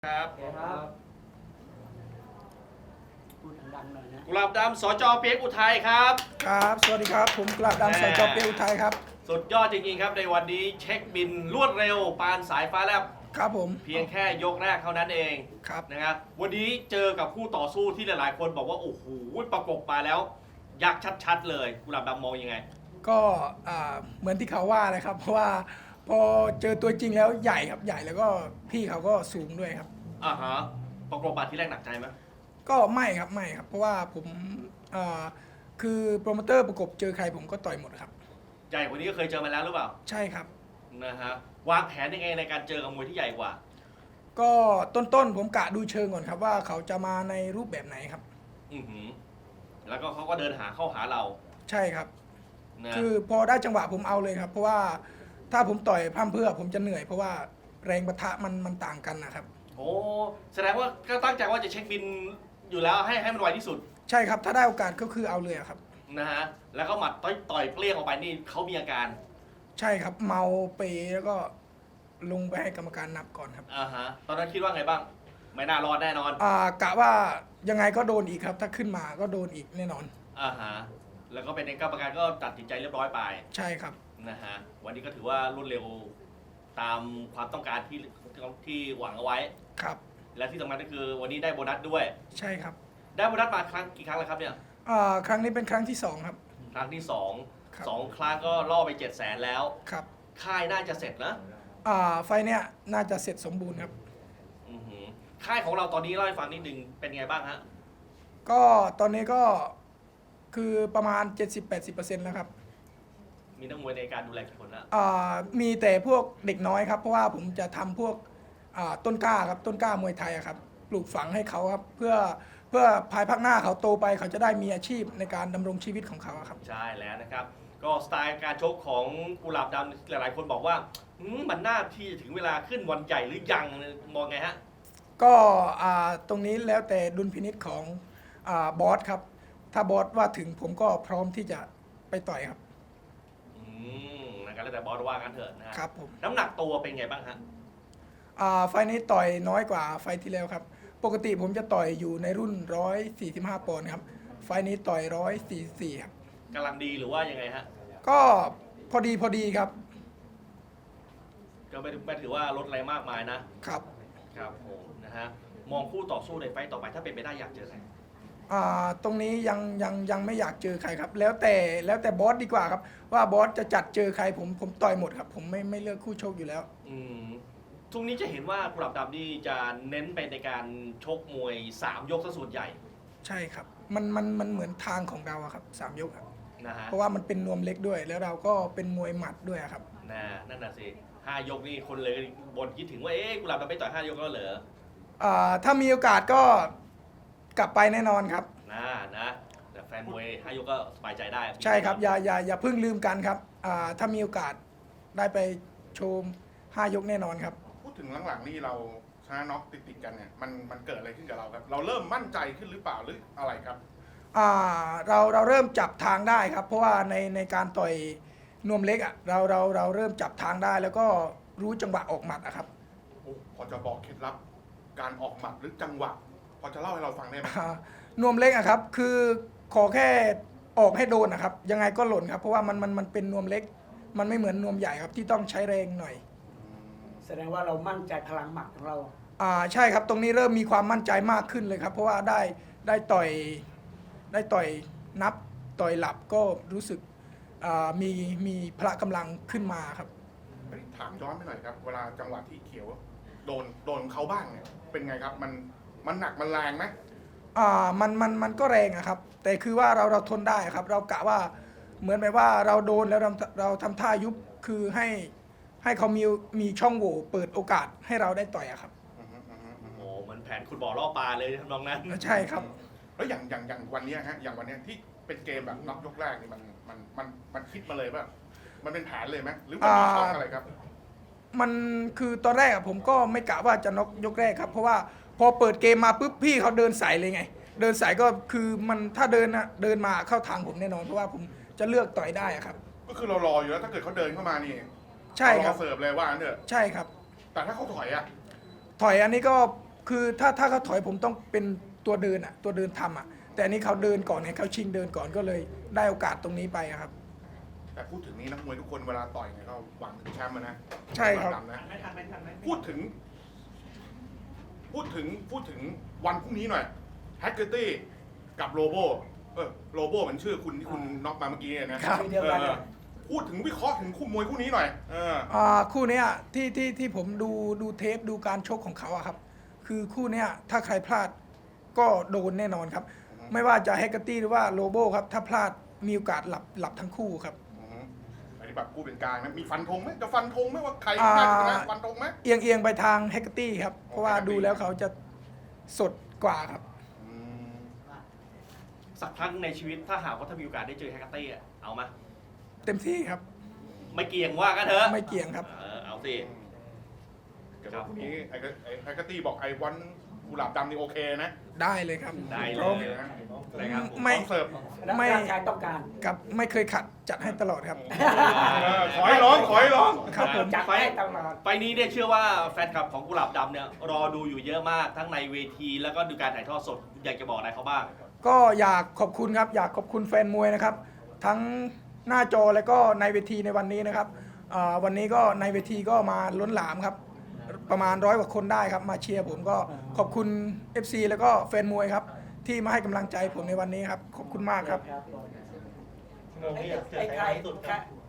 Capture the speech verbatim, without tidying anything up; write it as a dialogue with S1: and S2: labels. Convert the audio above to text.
S1: ครับ
S2: โอเคครับพูดดังๆหน่อยนะ
S1: กุหลาบดำสจเปียกอุทัยครับ
S3: ครับสวัสดีครับผมกลาบดำสจเปียอุทัยครับ
S1: สุดยอดจริงๆครับในวันนี้เช็คบินรวดเร็วปานสายฟ้าแลบ
S3: ครับผม
S1: เพียงแค่ยกแรกเท่านั้นเอง
S3: ครับ
S1: นะครับวันนี้เจอกับคู่ต่อสู้ที่หลายๆคนบอกว่าโอ้โหประกบมาแล้วยักษ์ชัดๆเลยกุหลาบดำมองยังไง
S3: ก็อ่าเหมือนที่เขาว่าเลยครับเพราะว่าพอเจอตัวจริงแล้วใหญ่ครับใหญ่แล้วก็พี่เขาก็สูงด้วยครับ
S1: อ่าฮะประกบมาที่แรกหนักใจไหม
S3: ก็ไม่ครับไม่ครับเพราะว่าผมอ่าคือโปรโมเตอร์ประกบเจอใครผมก็ต่อยหมดครับ
S1: ใหญ่กว่านี้ก็เคยเจอมาแล้วหรือเปล่า
S3: ใช่ครับ
S1: นะฮะวางแผนยังไงในการเจอกับมวยที่ใหญ่กว่า
S3: ก็ต้นๆผมกะดูเชิงก่อนครับว่าเขาจะมาในรูปแบบไหนครับ
S1: อือหือแล้วก็เขาก็เดินหาเข้าหาเรา
S3: ใช่ครับ
S1: นะ
S3: คือพอได้จังหวะผมเอาเลยครับเพราะว่าถ้าผมต่อยพร่ำเพรื่อผมจะเหนื่อยเพราะว่าแรงปะทะมันมันต่างกันนะครับ
S1: โอ้แสดงว่าก็ตั้งใจว่าจะเช็คบินอยู่แล้วให้ให้มันไวที่สุด
S3: ใช่ครับถ้าได้โอกาสก็คือเอาเลยครับ
S1: นะฮะแล้วก็หมัดต่อยต่อยเปรี้ยงออกไปนี่เขามีอาการ
S3: ใช่ครับเมาเปแล้วก็ลงไปให้กรรมการนับก่อนครับ
S1: อ่าฮะตอนนั้นคิดว่าไงบ้างไม่น่ารอดแน่นอน
S3: อ่ากะว่ายังไงก็โดนอีกครับถ้าขึ้นมาก็โดนอีกแน่นอน
S1: อ่าฮะแล้วก็เป็นกรรมการก็ตัดสินใจเรียบร้อยไป
S3: ใช่ครับ
S1: นะฮะวันนี้ก็ถือว่ารวดเร็วตามความต้องการที่ที่หวังเอาไว้
S3: ครับ
S1: และที่สำคัญก็คือวันนี้ได้โบนัสด้วย
S3: ใช่ครับ
S1: ได้โบนัสมาครั้งกี่ครั้งแล้วครับเนี่ย
S3: อ่าครั้งนี้เป็นครั้งที่สองครับ
S1: ครั้งที่สอง
S3: ครับ
S1: สองครั้งก็ล่อไปเจ็ดแสนแล้ว
S3: ครับ
S1: ค่ายน่าจะเสร็จนะ
S3: อ่าไฟเนี้ยน่าจะเสร็จสมบูรณ์ครับ
S1: อือหือค่ายของเราตอนนี้เล่าให้ฟังนิดนึงเป็นไงบ้างฮะ
S3: ก็ตอนนี้ก็คือประมาณ เจ็ดสิบถึงแปดสิบเปอร์เซ็นต์ แล้วครับ
S1: มีนักมวยในการดูแลกี่คนแล้ว
S3: อ่ามีแต่พวกเด็กน้อยครับเพราะว่าผมจะทำพวกอ่าต้นกล้าครับต้นกล้ามวยไทยอะครับปลูกฝังให้เขาครับเพื่อเพื่อภายภาคหน้าเขาโตไปเขาจะได้มีอาชีพในการดำรงชีวิตของเขาครับ
S1: ใช่แล้วนะครับก็สไตล์การชกของกุหลาบดำหลายๆคนบอกว่าหืมมันน่าที่จะถึงเวลาขึ้นวันใหญ่หรือยังมองไงฮะ
S3: ก็อ่าตรงนี้แล้วแต่ดุลพินิจของอ่าบอสครับถ้าบอสว่าถึงผมก็พร้อมที่จะไปต่อยครับ
S1: อืมนะครับแล้วแต่บอสว่ากันเถอะนะฮะ
S3: ครับผม
S1: น้ำหนักตัวเป็นไงบ้างฮะ
S3: อ่าไฟล์นี้ต่อยน้อยกว่าไฟล์ที่แล้วครับปกติผมจะต่อยอยู่ในรุ่นหนึ่งร้อยสี่สิบห้าปอนด์ครับไฟล์นี้ต่อยหนึ่งร้อยสี่สิบสี่ครับ
S1: กำลังดีหรือว่ายังไงฮะ
S3: ก็พอดีพอดีครับ
S1: ก็ไม่ไม่ถือว่าลดอะไรมากมายนะครับครับผมนะฮะมองคู่ต่อสู้ในไฟต์ต่อไปถ้าเป็นไปได้อยากเจอใคร
S3: อ่าตรงนี้ยังยังยังไม่อยากเจอใครครับ แล้วแต่แล้วแต่บอสดีกว่าครับว่าบอสจะจัดเจอใครผมผมต่อยหมดครับผมไม่ไม่เลือกคู่ชกอยู่แล้ว
S1: อืมช่วงนี้จะเห็นว่ากุหลาบดำนี่จะเน้นไปในการชกมวยสามยกซะส่วนใหญ่
S3: ใช่ครับมันมันมันเหมือนทางของเราอะครับสามยกครับ
S1: นะฮะ
S3: เพราะว่ามันเป็นนวมเล็กด้วย แล้วเราก็เป็นมวยหมัดด้วยครับ
S1: นะนั่นน่ะสิห้ายกนี่คนเลยบนคิดถึงว่าเอ๊ะกุหลาบดำไม่ต่อยห้ายกแล้วเหรอ
S3: อ่าถ้ามีโอกาสก็กลับไปแน่นอนครับ
S1: นะนะแต่แฟนมวยห้ายกก็สบายใจได้
S3: ใช่ครับอย่าอย่าอย่าเพิ่งลืมกันครับอ่าถ้ามีโอกาสได้ไปชมห้ายกแน่นอนครับ
S4: พูดถึงหลังๆนี่เราชนะน็อกติดๆกันเนี่ยมันมันเกิดอะไรขึ้นกับเราครับเราเริ่มมั่นใจขึ้นหรือเปล่าหรืออะไรครับ
S3: อ่าเราเราเริ่มจับทางได้ครับเพราะว่าในในการต่อยนวมเล็กอ่ะเราเราเราเริ่มจับทางได้ แล้วก็รู้จังหวะออกหมัดอะครับ
S4: โอ้พอจะบอกเคล็ดลับการออกหมัดหรือจังหวะพอจะเล่าให้เราฟังได้ไหม
S3: นวมเล็กอะครับคือขอแค่ออกให้โดนนะครับยังไงก็หล่นครับเพราะว่ามันมันมันเป็นนวมเล็ก มันไม่เหมือนนวมใหญ่ครับที่ต้องใช้แรงหน่อย
S2: แสดงว่าเรามั่นใจพลังหมัดของเรา
S3: อ่าใช่ครับตรงนี้เริ่มมีความมั่นใจมากขึ้นเลยครับเพราะว่าได้ได้ต่อยได้ต่อยนับต่อยหลับก็รู้สึกมีมีพละกำลังขึ้นมาครับ
S4: ถามย้อนไปหน่อยครับเวลาจังหวะที่เขียวโดนโดนเขาบ้างเนี่ยเป็นไงครับมันมันหนักมันแรงไหม
S3: อ่ามันมันมันก็แรงอะครับแต่คือว่าเราเราทนได้ครับเรากะว่าเหมือนแบบว่าเราโดนแล้วเราเราทำท่ายุบคือให้ให้เขามีมีช่องโหว่เปิดโอกาสให้เราได้ต่อยอะครับ
S1: โอ้เหมือนแผนคุณบ่อล่อปลาเลยทำนองนั้น
S3: ใช่ครับ
S4: แล้วอย่างอย่างอย่างวันนี้ฮะอย่างวันนี้ที่เป็นเกมแบบน็อกยกแรกนี่มันมันมันมันคิดมาเลยป่ะมันเป็นแผนเลยไหมหรือมันมีช่องอะไรครับ
S3: มันคือตอนแรกผมก็ไม่กะว่าจะน็อกยกแรกครับเพราะว่าพอเปิดเกมมาปุ๊บพี่เขาเดินใส่เลยไงเดินใส่ก็คือมันถ้าเดินนะเดินมาเข้าทางผมแน่นอนเพราะว่าผมจะเลือกต่อยได้ครับ
S4: ก็คือเรารออยู่แล้วถ้าเกิดเขาเดินเข้ามานี่
S3: ใช่ครับ
S4: เสิร์ฟเลยว่าเนอะ
S3: ใช่ครับ
S4: แต่ถ้าเขาถอยอะ
S3: ถอยอันนี้ก็คือถ้าถ้าเขาถอยผมต้องเป็นตัวเดินอ่ะตัวเดินทำอ่ะแต่อันนี้เขาเดินก่อนไงเขาชิงเดินก่อนก็เลยได้โอกาสตรงนี้ไปอะครับ
S4: แต่พูดถึงนี้นักมวยทุกคนเวลาต่อยเนี่ยก็หวังถึงแชมป์อะนะ
S3: ใช่ครับ
S4: ดำนะพูดถึง พูดถึงพูดถึงวันพรุ่งนี้หน่อยแฮกเกอร์ตี้กับโลโบเออโลโบมันชื่อคุณที่คุณน็อกมาเมื่อกี้เนี่ยนะครับ
S2: ทีเดียวกัน
S4: เออพูดถึงวิเคราะห์ถึงคู่มวยคู่นี้หน่อยเออ
S3: อ่าคู่เนี้ยที่ที่ที่ผมดูดูเทปดูการชกของเขาอะครับ คือคู่เนี้ยถ้าใครพลาดก็โดนแน่นอนครับ
S4: อือฮึ
S3: ไม่ว่าจะแฮกเกอร์ตี้หรือว่าโลโบครับ ถ้าพลาดมีโอกาสหลับหลับทั้งคู่ครับ
S4: อือฮึอันนี้แบบกูเป็นกลางนะมีฟันธงไหมจะฟันธงไหมว่าใคร
S3: อ่า
S4: น่าจะชนะฟันธงไหม
S3: เอียงเอียงไปทางแฮกเกอร์ตี้ครับ เพราะว่า
S4: Hecate
S3: ดูแล้วเขาจะสดกว่าครับ
S4: อืม
S1: สักครั้งในชีวิตถ้าหากว่าถ้ามีโอกาสได้เจอแฮกเกอร์ตี้อะเอามา
S3: เต็มที่ครับ
S1: ไม่เกี่ยงว่ากันเถอะ
S3: ไม่เกี่ยงครับ
S1: เออเอาสิ
S4: เดี๋ยวพรุ่งนี้ไอ้ก็ไอ้แฮกเกอร์ตี้บอกไอ้วันกุหลาบดำนี่โอเคนะ
S3: ได้เลยครับ
S1: ได้เล
S3: พร้อม
S1: ย
S4: นะ
S1: นะครับผม
S3: ไม่
S4: พร้อมเสิร์ฟ
S2: แล้ว
S3: ไม่
S2: ร่างกายต้องการ
S3: กับไม่เคยขัดจัดให้ตลอดครับ
S4: เออขอให้ร้องขอให้ร้อง
S3: ครับผม
S2: จัด
S1: ไฟ
S2: ให้ตลอด
S1: ไฟนี้เนี่ยเชื่อว่าแฟนคลับของกุหลาบดำเนี่ยรอดูอยู่เยอะมากทั้งในเวทีแล้วก็ดูการถ่ายทอดสดอยากจะบอกอะไรเขาบ้าง
S3: ก็อยากขอบคุณครับ อยากขอบคุณแฟนมวยนะครับ ทั้งหน้าจอและก็ในเวทีในวันนี้นะครับอ่าวันนี้ก็ในเวทีก็มาล้นหลามครับ ประมาณร้อยกว่าคนได้ครับมาเชียร์ผมก็ขอบคุณ เอฟ ซี แล้วก็แฟนมวยครับ ที่มาให้กำลังใจผมในวันนี้ครับ ขอบคุณมากครับ
S2: ไอ้ไอ้ใคร